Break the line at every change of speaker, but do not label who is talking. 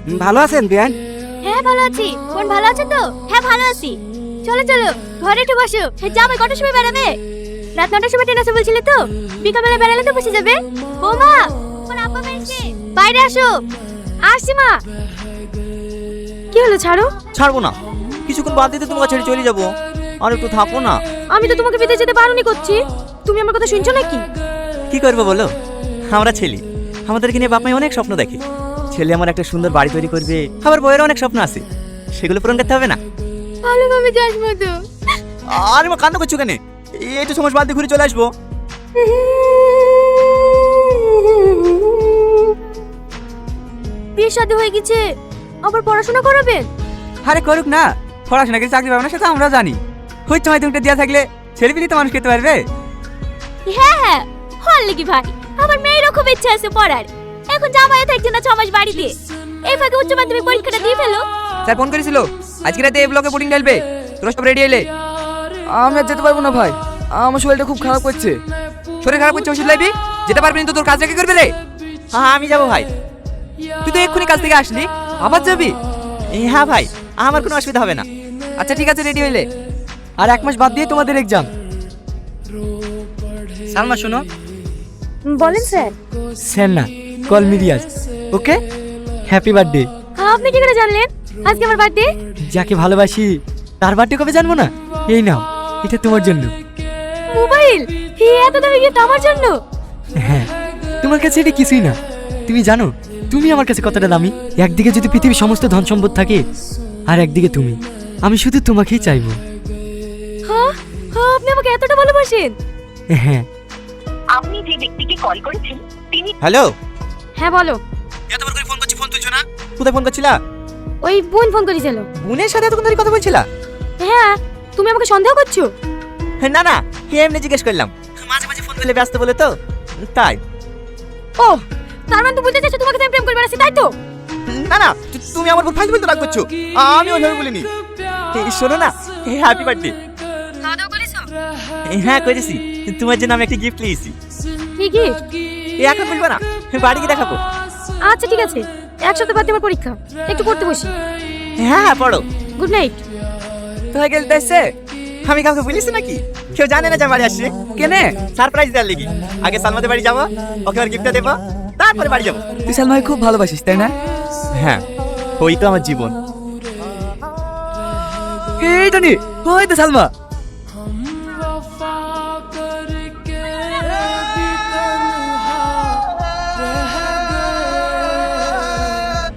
ভালো আছেন বিয়ান?
হ্যাঁ ভালো আছি। কোন ভালো আছে তো? হ্যাঁ ভালো আছি। চলো চলো ঘরে একটু বসো। যাবে কটার সময় বেড়াবে? রাত 9টার সময় ট্রেন আছে বলছিলে তো? বিকালবেলা বেড়ালে তো বসে যাবে। বৌমা, তোমার আব্বা এসে বাইরে আসো। আসছি মা। কি হলো ছাড়ো?
ছাড়বো না, কিছুক্ষণ বাদ দিতে তোমাকে ছেড়ে চলে যাবো। আর একটু থাকো না।
আমি তো তোমাকে বিদেশ যেতে বারণই করছি। তুমি আমার কথা শুনছো নাকি?
কি করবো বলো, আমরা ছেলে, আমাদেরকে নিয়ে বাপ মাই অনেক স্বপ্ন দেখে। ছেলে আমার একটা সুন্দর বাড়ি তৈরি করবে, আবার বইয়ের অনেক স্বপ্ন আছে, সেগুলো পূরণ করতে হবে না?
ভালোভাবে যাস মতো।
আর মা কান্না করছো কেন? একটু সময় বাদ দিয়ে ঘুরে চলে আসবো।
বিয়ে শাদী হয়ে গেছে, আবার পড়াশোনা করাবেন?
আরে করুক না, পড়াশোনা করে চাকরি পাবে না সেটা আমরা জানি। হচ্ছে হয়তো একটা দেওয়া থাকলে ছেলে পিলি তো মানুষ খেতে পারবে।
হ্যাঁ হ্যাঁ, হল নাকি ভাই? আমার মেয়েরও খুব ইচ্ছা আছে পড়ার। এখন জামাইও থাকছে না 6 মাস বাড়িতে। এই ফাঁকে উচ্চ মাধ্যমিক পরীক্ষাটা দিয়ে ফেলো।
স্যার ফোন করেছিল আজকে রাতে এই ব্লকে বোর্ডিং ঢালবে, তোরা সব রেডি এলে। আমি আর যেতে পারবো না ভাই, আমার শরীরটা খুব খারাপ করছে। শরীর খারাপ করছে ওষুধ লাইবি? যেতে পারবি না তো তোর কাজটা কি করবে রে?
হ্যাঁ আমি যাবো ভাই।
তুই তো এক্ষুনি কাজ থেকে আসলি, আবার যাবি?
হ্যাঁ ভাই, আমার কোনো অসুবিধা হবে না।
আচ্ছা ঠিক আছে, রেডি হইলে। আর 1 মাস বাদ দিয়ে তোমাদের এক্সাম। সালমা শোনো।
বলেন স্যার।
স্যার না, call me Riyaz. Okay, happy birthday.
আপনি কি করে জানলেন আজকে আমার বার্থডে?
যাকে ভালোবাসি তার বার্থডে কবে জানবো না? এই নাও, এটা তোমার জন্য।
মোবাইল? এত দামি গিফট আমার জন্য?
হ্যাঁ, তোমার কাছে এটা কিছুই না। তুমি জানো তুমি আমার কাছে কতটা দামি? একদিকে যদি পৃথিবীর সমস্ত ধন সম্পদ থাকে, আর একদিকে তুমি। আমি শুধু তোমাকেই চাইবো।
হ্যাঁ হ্যাঁ, আপনি আমাকে এতটা ভালোবাসেন?
হ্যাঁ।
আপনি যে ব্যক্তিকে কল করেছেন তিনি
হ্যালো,
হ্যাঁ বলো।
এতবার করে ফোন করছি, ফোন তুলছো না? কোথায় ফোন করছিলা?
ওই বোন ফোন করেছিল।
বোনের সাথে এতক্ষণ ধরে কথা বলছিলা?
হ্যাঁ, তুমি আমাকে সন্দেহ করছো?
না না, এমনি জিজ্ঞেস করলাম। মাঝে মাঝে ফোন করলে ব্যস্ত বলে তো, তাই।
ও, তার মানে তো বুঝতে চাইছো তোমাকে তো আমি প্রেম করে বেড়াচ্ছি, তাই তো?
না না, তুমি আমার উপর ফাইল বলতে রাগ করছো। আমি ওইভাবে বলিনি। শোনো না, হ্যাপি বার্থডে।
খাওয়া দাওয়া করেছো?
হ্যাঁ করেছি, তোমার জন্য আমি একটা গিফট নিয়েছি।
কি গিফট?
এখন বলবো না, বাড়ি গিয়ে দেখাবো।
আচ্ছা ঠিক আছে, এক সপ্তাহ বাদে আমার পরীক্ষা, একটু পড়তে বসি।
হ্যাঁ হ্যাঁ পড়ো।
Good night.
তোমার গেল দেখছে?
আমি কাউকে বলিস নাকি? কেউ জানে না যে বাড়ি আসছে।
কেনে?
সারপ্রাইজ দেওয়ার লেগে। আগে সালমাদের বাড়ি যাবো, ওকে আর গিফটটা দেবো, তারপরে বাড়ি যাবো।
তুই সালমাকে খুব ভালোবাসিস তাই না?
হ্যাঁ, ওই তো আমার জীবন।
এই টনি, ওই তো সালমা।